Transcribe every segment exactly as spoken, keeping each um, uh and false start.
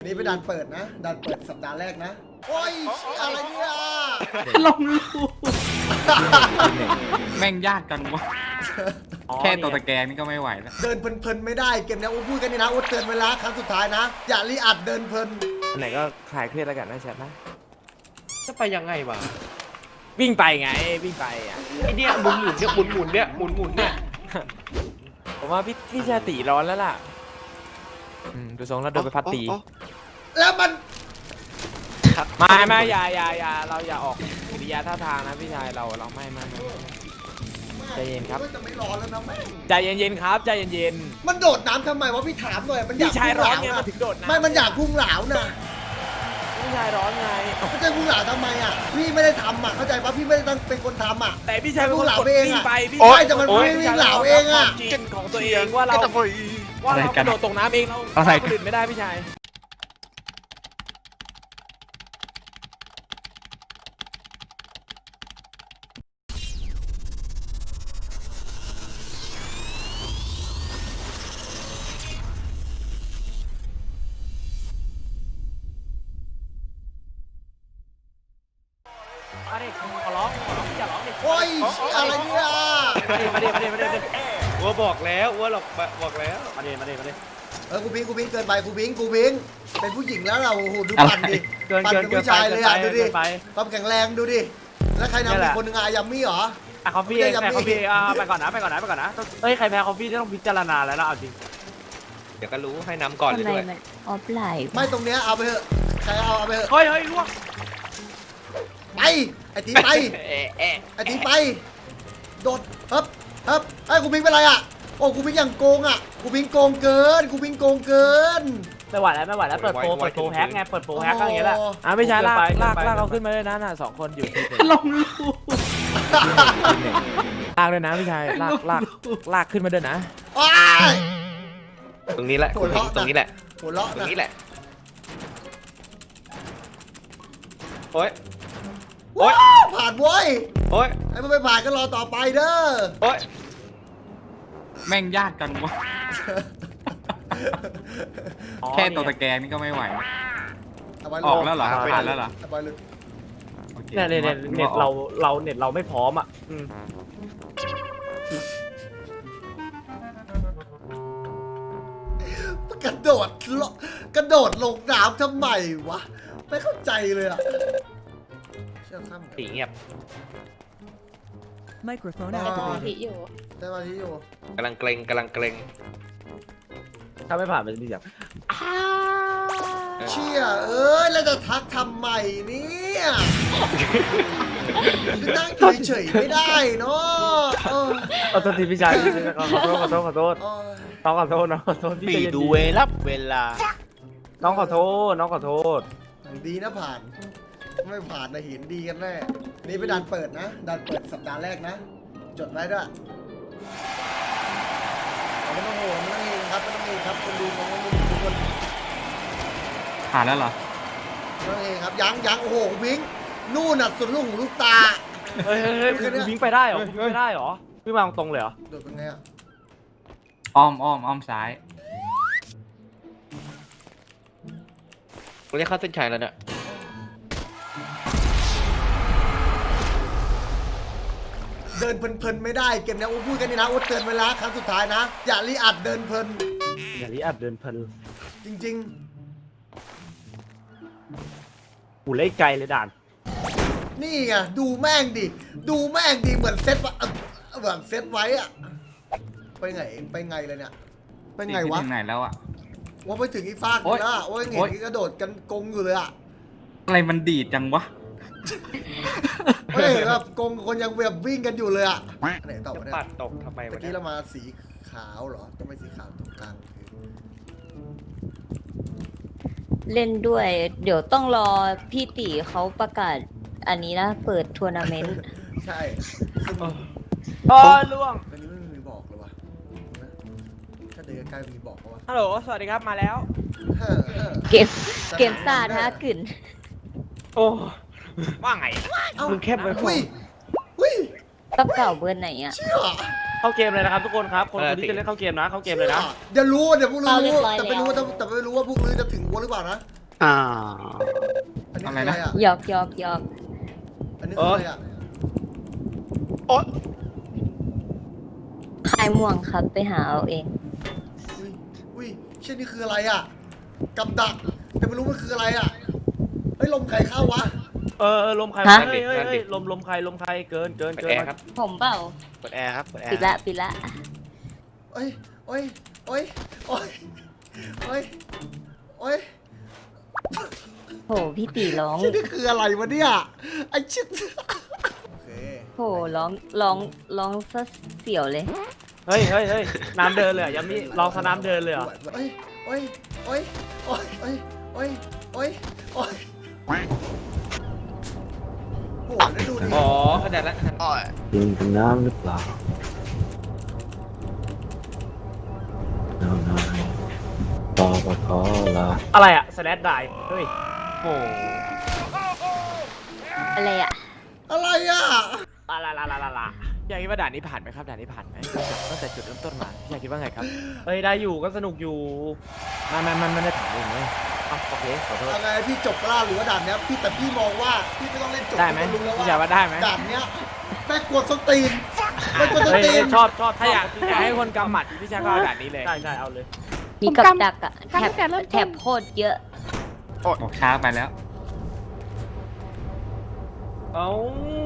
นี่เป็นด่านเปิดนะด่านเปิดสัปดาห์แรกนะโอ้ยอะไรเนี่ยลงรูแม่งยากจังวะแค่ตัวตะแกรงนี่ก็ไม่ไหวแล้วเดินเพลินๆไม่ได้เกมนี้อุ้พูดกันนี่นะอุ้เตือนเวลาครั้งสุดท้ายนะอย่ารีอัดเดินเพลินอันไหนก็คลายเครียดแล้วกันนะแชทนะจะไปยังไงวะวิ่งไปไงวิ่งไปอ่ะไอเนี่ยหมุนหมุนเนี่ยหมุนหมุนเนี่ยหมุนหมุนเนี่ยผมว่าพี่พี่ชาติร้อนแล้วล่ะอืมดูทรงแล้วโดนไปพัดตีแล้วมันมาไม่อย่าอย่าอย่าเราอย่าออกกิริยาท่าทางนะพี่ชายเราเราไม่ไม่ไม่ใจเย็นครับจะไม่ร้อนแล้วนะแม่ใจเย็นๆครับใจเย็นมันโดดน้ำทำไมวะพี่ถามหน่อยมันๆอยากพี่ชายร้อนไงพุ่งเหลมาถึงโดดน้ำไม่มันอยากพุ่งเหลานะพี่ชายร้อนไงไม่ใช่พุ่งเหลาทำไมอ่ะพี่ไม่ได้ทำอ่ะเข้าใจปะพี่ไม่ได้ตั้งเป็นคนทำอ่ะแต่พี่ชายเป็นคนกดวิ่งไปพี่โอ๊ยแต่มันไม่วิ่งเหลาเองอะจริงของตัวเองว่าเราว่าเรากระโดดตกน้ำเองเราเราคนอื่นไม่ได้พี่ชายมาดิขอร้องขอร้องอย่าร้องดิโอ้ยอะไรเนี่ยมาดิมาดิมาดิมาดิวัวบอกแล้ววัวหรอกบอกแล้วมาดิมาดิมาดิเออกูพิงกูพิงเกินไปกูพิงกูพิงเป็นผู้หญิงแล้วเราโอ้โหดูปั่นดิเกินปั่นเกินเป็นผู้ชายเลยอ่ะดูดิไปความแข็งแรงดูดิแล้วใครนำอีกคนนึงอะยัมมี่เหรออ่ะคอฟฟี่เองแพ้คอฟฟี่อ่ะไปก่อนนะไปก่อนนะไปก่อนนะเฮ้ยใครแพ้คอฟฟี่ต้องพิจารณาแล้วนะเอาจริงเดี๋ยวก็รู้ให้น้ำก่อนเลยทำไมด้วยมันออฟไลน์ไม่ตรงเนี้ยเอาไปเถอะใครเอาเอาไปเถอะเฮ้ยเฮ้ยล่วงไปไอ้ตีไปเอ๊ะเอ๊ะไอ้ตีไปโดดฮึบฮึบไอ้ยกูพิงเป็นไรอ่ะโอ้กูพิงอย่างโกงอ่ะกูพิงโกงเกินกูพิงโกงเกินไม่ไหวแล้วไม่ไหวแล้วเปิดโปรเปิดโปรแฮกไงเปิดโปรแฮกก็อย่างเงี้ยแหละอ่ะไม่ใช่ลากลากลากเราขึ้นมาเลยนะน่ะสองคนอยู่ที่ลงรูลากเลยนะพี่ชายลากลากลากขึ้นมาด้วยนะว้ายตรงนี้แหละคุณตรงนี้แหละหัวเราะตรงนะนี้แหละโอ๊ยว้าวผ่านเว้ยโอ๊ยไอ้มันไม่ผ่านก็รอต่อไปเด้อโอ๊ยแม่งยากจังวะแค่ตัวตะแกรงนี่ก็ไม่ไหวแล้วเอาไว้ออกแล้วเหรอผ่านแล้วเหรอเอาไว้เลยโอคเนี่ยเนี่ยเน็ตเราเราเน็ตเราไม่พร้อมอ่ะกระโดดลงกระโดดลงน้ำทำไมวะไม่เข้าใจเลยอ่ะเชื่อข้ามสีเงียบ Microphone ได้สมา activated. ธิอยู่ได้มาที่อยู่กำลังเกรงกำลังเกรงถ้าไม่ผ่านมันจะมีแบบเชี่ยเอ้ยแล้วจะทักทำไมเนี่ยคือนั่งอยู่เฉยๆไม่ได้เนาะเออขอโทษทีพี่ชายขอโทษขอโทษขอโทษโอ้ยน้องขอโทษน้องขอโทษพี่ปีใจเย็นดูเวลับเวลาน้องขอโทษน้องขอโทษดีนะผ่าน ไม่ผ่านนะเห็นดีกันแน่นี่เป็นด่านเปิดนะด่านเปิดสัปดาห์แรกนะ จดไว้ด้วยไม่ต้องโหนไม่ต้องเองครับไม่ต้องเองครับคนดูมองทุกคนผ่านแล้วเหรอไม่ต้องเองครับยังยังโอ้โหคุณพิงค์นู่นน่ะสุดลูกหูลูกตาเฮ้ยเฮ้ยเฮ้ยคุณวิ่งไปได้เหรอวิ่งไปได้เหรอวิ่งมาตรงเลยเหรอโดดเป็นไงอ่ะอ้อมอ้อมอ้อมซ้ายกูเรียกเข้าเส้นชัยแล้วเนี่ยเดินเพลินๆไม่ได้เกมนี้อุ้พูดกันนี่นะอุ้เตือนเวลาครั้งสุดท้ายนะอย่ารีอัดเดินเพลินอย่ารีอัดเดินเพลินจริงหูเล็กไกลเลยด่านๆ นี่ไงดูแม่งดิดูแม่งดิเหมือนเซตวะเอ่อเหมือนเซตไว้อะไปไงไปไงเลยเนี่ยไปไงวะถึงไหนแล้วอะว่าไปถึงอีฟากโอ๊เลย ยนะว่าเห็นโอ๊ยกระโดดกันกงอยู่เลยอะอะไรมันดีดจังวะเฮ้ยแบบกงคนยังแบบวิ่งกันอยู่เลยอะอันไหนต่อจะวะเนี่ยปัดตกทำไมเมื่วะอกี้เนี่ยเรามาสีขาวเหรอต้องไปสีขาวตรงกลางคือเล่นด้วย เดี๋ยวต้องรอพี่ตีเขาประกาศอันนี้นะ เปิดทัวร์นาเมนต์ใช่ซึ่งอ๋อล่วงอันนี้ไม่มีบอกเลยวะนะถ้าเดินใกล้ๆมีบอกปะวะฮัลโหลสวัสดีครับมาแล้วเฮ้อเฮ้อเกมเกมซ่าท้ากึ่นโอ้ว่าไงเอ้ามึงเข้มไปอุ้ยอุ้ยกับเก่าเบอร์ไหนอ่ะเชี่ยเข้าเกมเลยนะครับทุกคนครับคนคนที่จะเล่นเข้าเกมนะเข้าเกมเลยนะเดี๋ยวรู้เดี๋ยวพวกรู้เอาเรียบรู้ร้อยแต่ไม่รู้แล้วแต่แต่ไม่รู้ว่าพวกรู้จะถึงวัวหรือเปล่านะอ่าอันนี้คืออะไรอ่ะหยอกหยอกหยอกอันนี้คืออะไรอ่ะโอ๊ยคายม่วงครับไปหาเอาเองอุ้ยอุ้ยเช่นนี่คืออะไรอ่ะกับดักแต่ไม่รู้มันคืออะไรอ่ะเฮ้ยลมใครเข้าวะเออเออลมใครฮะเฮ้ยเฮ้ยเฮ้ยลมลมใครลมใครเกินเกินเปิดเกินแอร์ครับผมเปล่าเปิดแอร์ครับเปิดแอร์ปิดละปิดละโอ้ยโอ้ยโอ้ยโอ้ยโอ้ยโอ้ยโหพี่ตีร้องเช่นนี่คืออะไรวะเนี่ยไอ้ชิดโอเคโหร้องร้องร้องซะเสียวเลยเฮ้ยเฮ้ยเฮ้ยน้ำเดินเลยเหรอยังมีลองสนามเดินเลยเหรอโอ้ยโอ้ยโอ้ยโอ้ยโอ้ยโอ้ยโอ้ยโอ้ยโหแล้วดูดิอ๋อเข้าใจแล้วอ๋อกินเป็นน้ำหรือเปล่าน้ำนายต่อปขอลาอะไรอะสแลดได้เฮ้ยโอ้อะไรอ่ะอะไรอ่ะลาลาลาลาลาลาพี่ชายคิดว่าด่านนี้ผ่านไหมครับด่านนี้ผ่านไหมตั้งแต่จุดเริ่มต้นมาพี่ชายคิดว่าไงครับเฮ้ยได้อยู่ก็สนุกอยู่ไม่ไม่ไม่ไม่ได้ถามเองเลยอ่ะโอเคขอโทษเอาไงพี่จบกล้าหรือว่าด่านเนี้ยพี่แต่พี่มองว่าพี่ไม่ต้องเล่นจบได้ไหมพี่รู้แล้วพี่ชายว่าได้ไหมด่านเนี้ยแม่งกวนสนตีนแม่งกวนสนเฮ้ยตีเฮ้นยชอบชอบถ้าอยากอยากให้คนกำหมัดพี่ชายก็เอาด่านนี้เลยใช่ใช่เอาเลยมีกับดักอ่ะแถบแถบโคตรเยอะบอกช้าไปแล้วเอ้า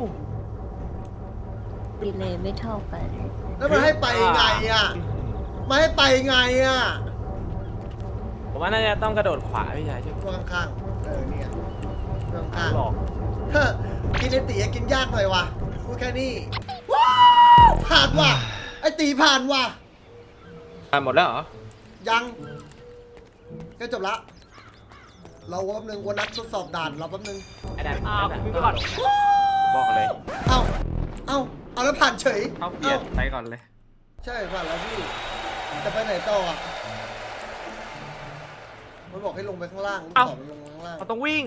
ดีเลยไม่เท่ากันแล้วมันให้ไปไงอ่ะมันให้ไปไงอ่ะผมว่าน่าจะต้องกระโดดขวาพี่ชายช่วยตัวข้างๆเออเนี่ยตัวข้างหลอกๆเฮ้อกินไอตีกินยากหน่อยว่ะพูดแค่นี้ว้าวผ่านว่ะไอตีผ่านว่ะอ่านหมดแล้วเหรอยังก็จบละเราแป๊บนึงวันนัดทดสอบด่านเราแป๊บนึงไอ้ด่านอ้าวนั่นมึงน่ะก่อนบอกเลยเอ้าเอ้าเอาแล้วผ่านเฉยเอาเปลี่ยนไปก่อนเลยใช่ผ่านแล้วพี่จะไปไหนต่ออ่ะมันบอกให้ลงไปข้างล่างลูกศรมันลงข้างล่างเราต้องวิ่ง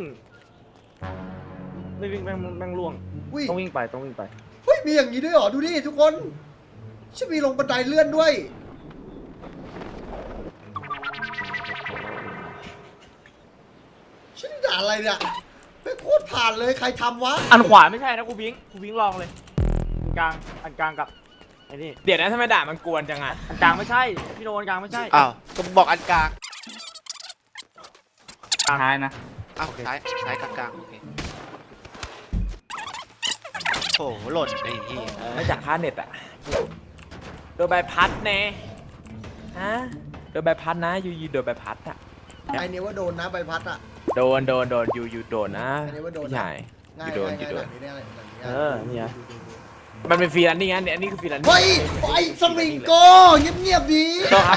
ไม่วิ่งแม่งแม่งล่วงวิ่งต้องวิ่งไปต้องวิ่งไปเฮ้ยมีอย่างนี้ด้วยเหรอดูดิทุกคนชิมีลงบันไดเลื่อนด้วยชินี่ด่าอะไรเนี่ยไม่โคตรผ่านเลยใครทำวะอันขวาไม่ใช่นะกูวิ่งกูวิ่งลองเลยอันกลางอันกลางกับไอ้นี่เดี๋ยวนะทำไมด่านมันกวนจังอ่ะอันกลางไม่ใช่พี่โนอันกลางไม่ใช่อ้าวก็บอกอันกลางท้ายนะอ้าวซ้ายซ้ายกลางกลางโอเคโอ้โหหล่นไอ้เหี้ยไม่จากค่าเน็ตอ่ะโดนใบพัดแน่ฮะโดนใบพัดนะยูยูโดนใบพัดอ่ะไอเนี้ยว่าโดนนะใบพัดอ่ะโดนโดนโดนยูยูโดนนะอันนี้ว่าโดนนะพี่ชายง่ายยูโดนง่ายยูโดง่าน ยแบบนี้ได้เลยแบบนี้เอได้อเนี่ยมันเป็นฟรีแลนซ์นี่ไงเนี่ยอันนี้คือฟรีแลนซ์เฮ้ยไอสวิงโก้เงียบๆดีโตครับ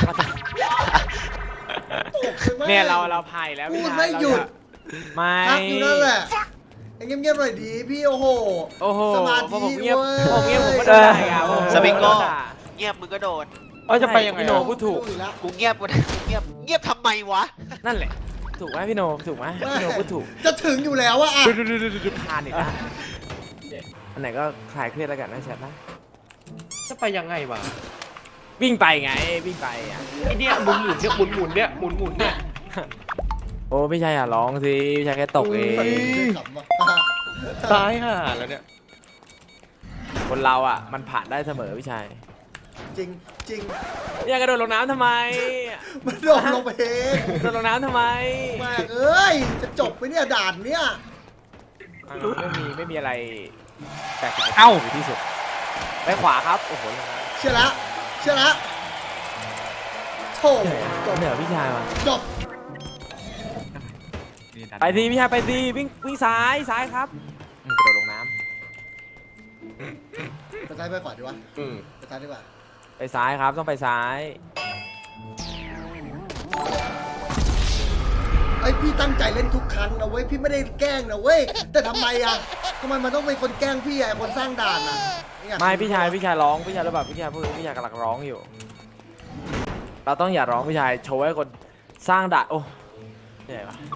ตกไปมากเนี่ยเราเราพายแล้วพูพี่ดชายไม่หยุดไม่พักอยู่นั่นแหละไอ้เงียบๆหน่อยดีพี่โอ้โหโอ้โหสมาพอธิผมเงียบเว้ยผมเงียบผมก็โดนด่าอ่ะผมสวิงโก้โดนด่าเงียบมึงก็โดนเอ้ยจะไปยังไงพี่โนอะพูดถูกอีแล้วกูเงียบกูนะกูเงียบเงียบทำไมวะนั่นแหละ ถูกไหมพี่โนถูกไหมพี่โนพูดถูกจะถึงอยู่แล้วอะอะดูดูดูดูดูผ่านอีกแล้วอันไหนก็คลายเครียดแล้วกันนะแชทนะจะไปยังไงวะวิ่งไปไงวิ่งไปอ่ะไอเนี่ยหมุนหมุนเนี่ยหมุนหมุนเนี่ยหมุนหมุนเนี่ยโอ้พี่ชายอย่าร้องสิพี่ชายแค่ตกเองขำว่ะตายห่าแล้วเนี่ยคนเราอ่ะมันผ่านได้เสมอพี่ชายจริงจริงอย่ากระโดดลงน้ำทำไมมันโดนลงไปเองกระโดดลงน้ำทำไมแม่งเอ้ยจะจบไปเนี่ยด่านเนี่ยไม่มีไม่มีอะไรแปลกเอ้ายู่ที่สุดไปขวาครับโอ้โหลงน้ำเชื่อละเชื่อละโถเหนื่อยจบเหนื่อยพี่ชายว่ะจบนี่ดันไปสิพี่ชายไปสิวิ่งวิ่งซ้ายซ้ายครับอืมกระโดดลงน้ไปซ้ายไปขวาดีวะอืมไปซ้ายดีกว่าำไปซ้ายครับต้องไปซ้ายไอยพี่ตั้งใจเล่นทุกครั้งนะเว้ยพี่ไม่ได้แกล้งนะเว้ยแต่ทำไมอะทำไมมันต้องเป็นคนแกล้งพี่อะไอ้คนสร้างด่านอะเนี่ยไม่พี่ชายพี่ชายร้องพี่ชายระบาดพี่ชายพูดพี่ชายกำลังร้องอยู่ เราต้องอย่าร้องพี่ชายโชว์ให้คนสร้างด่านโอ้เหนื่อยวะ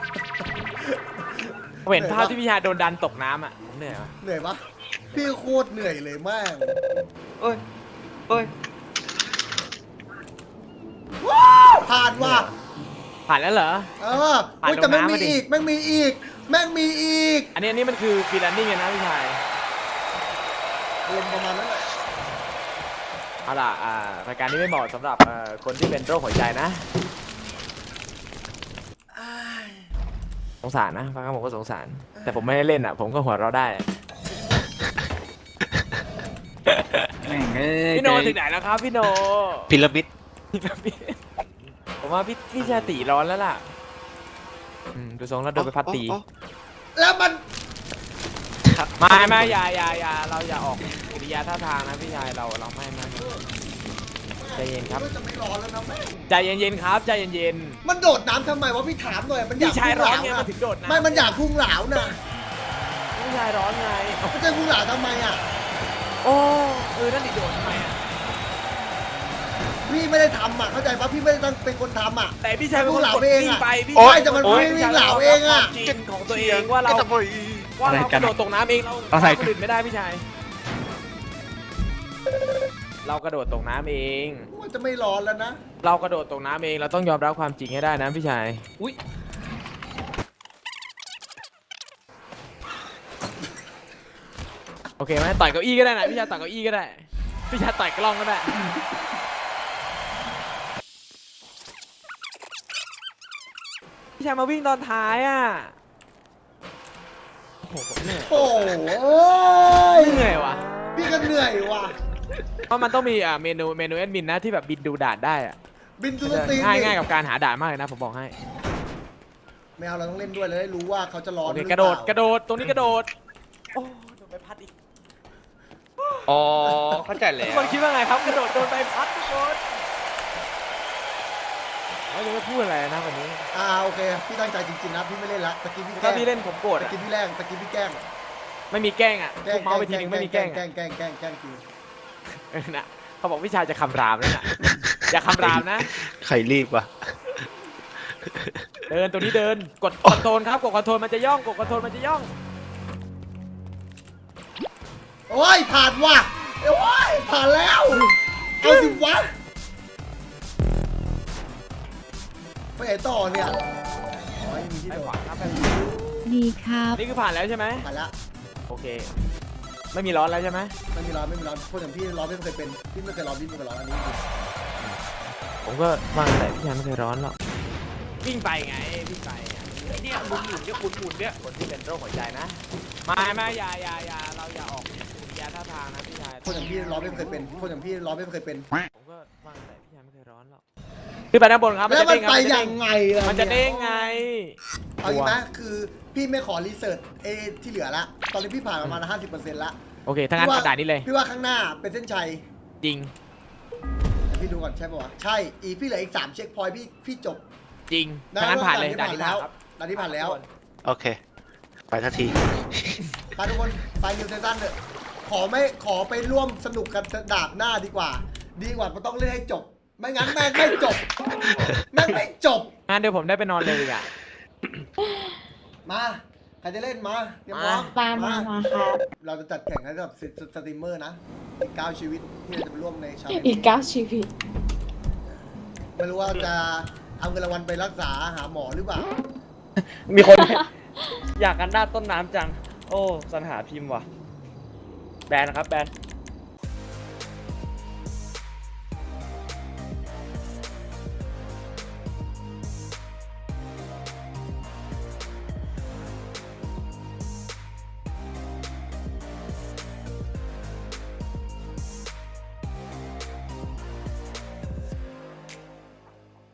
ผมเห็นภาพที่พี่ชายโดนดันตกน้ำอ่ะผมเหนื่อยวะเหนื่อยปะพี่โคตรเหนื่อยเลยแม่งเอ้ยเอ้ยผ่านว่ะผ่านแล้วเหรอเออผ่านอุ๊ยแต่แม่งลงน้ำมีมาดิอีกแม่งมีอีกแม่งมีอีกอันนี้อันนี้มันคือฟรีแลนซิ่งเลยนะพี่ชายลมประมาณนั้นแหละเอาล่ะอ่ารายการนี้ไม่เหมาะสำหรับเอ่อคนที่เป็นโรคหัวใจนะอ้ายสงสารนะฟังคำผมก็สงสาร แต่ผมไม่ได้เล่นอ่ะ ผมก็หัวเราะได้แม่งเอ้ยพี่โนถึงไหนแล้วครับพี่โนพีระมิดผมว่าพี่พี่ชาติร้อนแล้วล่ะอืมดูทรงแล้วโดนไปพัดตีอ๋อแล้วมันไม่ไม่อย่าอย่าอย่าเราอย่าออกกิริยาท่าทางนะพี่ชายเราเราไม่ไม่ไม่ใจเย็นครับจะไม่ร้อนแล้วนะแม่งใจเย็นๆครับใจเย็นมันโดดน้ำทำไมวะพี่ถามหน่อยมันๆอยากพี่ชายร้อนไงพุ่งหลมันถึงโดดน้ำไม่มันอยากพุ่งเหลานะพี่ชายร้อนไงมันจะพุ่งเหลาทำไมอ่ะโอ้เออนั่นดิโดดทำไมอ่ะพี่ไม่ได้ทำอ่ะเข้าใจปะพี่ไม่ได้ตั้งเป็นคนทำอ่ะแต่พี่ชายเป็นคนเหลากดเองวิ่งอ่ะไปพี่โอ๊ชายแต่มันโอ๊ยวิ่งเหลาเองอะจริงของตัวเองว่าเราไอ้ตะบอยว่าเรากระโดดตกน้ำเองเราอะไรคนอื่นไม่ได้พี่ชายเรากระโดดตกน้ำเองมันจะไม่ร้อนแล้วนะเรากระโดดตกน้ำเองเราต้องยอมรับความจริงให้ได้นะพี่ชายอุ้ยโอเคไหมต่อยเก้าอี้ก็ได้นะพี่ชายต่อยเก้าอี้ก็ได้พี่ชายต่อยกล้องก็ได้พี่ชายมาวิ่งตอนท้ายอ่ะโอ้โหผมเหนื่อยโอ้ยเหนื่อยว่ะพี่ก็เหนื่อยว่ะเพราะมันต้องมีอ่าเมนูเมนูแอดมินนะที่แบบบินดูด่านได้อ่ะบินตุนตีนง่ายดิง่ายกับการหาด่านมากเลยนะผมบอกให้ไม่เอาเราต้องเล่นด้วยเราได้รู้ว่าเขาจะร้อนโอเคหอกระโดดเปล่ากระโดดตรงนี้กระโดดโอ้โดนใบพัดอีกอ๋อ เข้าใจแล้ทุกวคนคิดว่าไงครับกระโดดโดนใบพัดทุกคนเขาจะไม่พูดอะไรนะวันนี้อ่าโอเคพี่ตั้งใจจริงๆนะพี่ไม่เล่นละตะกี้พี่แกล้ถ้าง พี่เล่นผมโกรธตะอะกี้พี่แรงตะกี้พี่แกล้งไม่มีแกล้งอ่ะแกล้ทุงกเมาส์ไปทีนึงไม่มีแกล้งแกล้อะงแกล้งแกล้งแกล้งจริงเออนะเขาบอกวิชาจะคำรามแล้วน่ะอย่าคำรามนะใครรีบวะเดินตัวนี้เดินกดคอนโทรลครับกดคอนโทรลมันจะย่องกดคอนโทรลมันจะย่องโอ้ยผ่านว่ะโอ้ยผ่านแล้วเอาสิวะไปไหนต่อเนี่ยอ๋อยังมีที่ไปโดขดวาครับไปดีครับนี่คือผ่านแล้วใช่ไหมผ่านละโอเค ไม่มีร้อนแล้วใช่ไหมไม่มีร้อนไม่มีร้อนคนอย่างพี่ร้อนไม่เคยเป็นพี่ไม่เคยร้อนพี่ไม่เคยร้อนอันนี้จริงผมก็ว่างแต่พี่ชายไม่เคยร้อนหรอกวิ่งไปไงวิ่งไปอะไอ้เนี่ยหมุนหมุนเนี่ยหมุนหมุนเนี่ยคนที่เป็นโรคหัวใจนะไม่ไม่อย่าอย่าอย่าเราอย่าออกกิริยาท่าทางนะพี่ชายคนอย่างพี่ร้อนไม่เคยเป็นคนอย่างพี่ร้อนไม่เคยเป็นผมก็ว่างแต่พี่ชายไม่เคยร้อนหรอกขึ้นไปด้านบนครับแล้วมันจะไปเด้งครับยังไงล่ะมันจะเด้งไงเอาอีกไหมคือพี่ไม่ขอรีเสิร์ชเอที่เหลือละตอนนี้พี่ผ่านประมาณห้าสิบเปอร์เซ็นต์ละโอเคถ้างั้นกระดาษนี้เลยพี่ว่าข้างหน้าเป็นเส้นชัยจริงเดี๋ยวพี่ดูก่อนใช่ปะวะใช่อีกพี่เหลืออีกสามเช็คพอยต์พี่พี่จบจริงถ้างั้นผ่านเลยด่านนี้แล้ผ่าวนครับด่านนี้ผ่านแล้วโอเค ไปทันทีไปทุกคนไปนิวเซตันเถอะขอไม่ขอไปร่วมสนุกกันดาบหน้าดีกว่า ดีกว่ามันต้องเล่นให้จบ ไม่งั้นแม่งไม่จบแม่งไม่จบงั้นเดี๋ยวผมได้ไปนอนเลยดีกว่ามาใครจะเล่นมาเตรียมพร้อมมามามาครับเราจะจัดแข่งให้กับสสตรีมเมอร์นะอีกเก้าชีวิตที่เราจะไปร่วมในชาเลนจ์อีกเก้าชีวิตไม่รู้ว่าจะเอาเงินรางวัลไปรักษาหาหมอหรือเปล่ามีคน อยากกันด้านต้นน้ำจัง โอ้สัญหาพิมพ์ว่ะ แบนนะครับแบน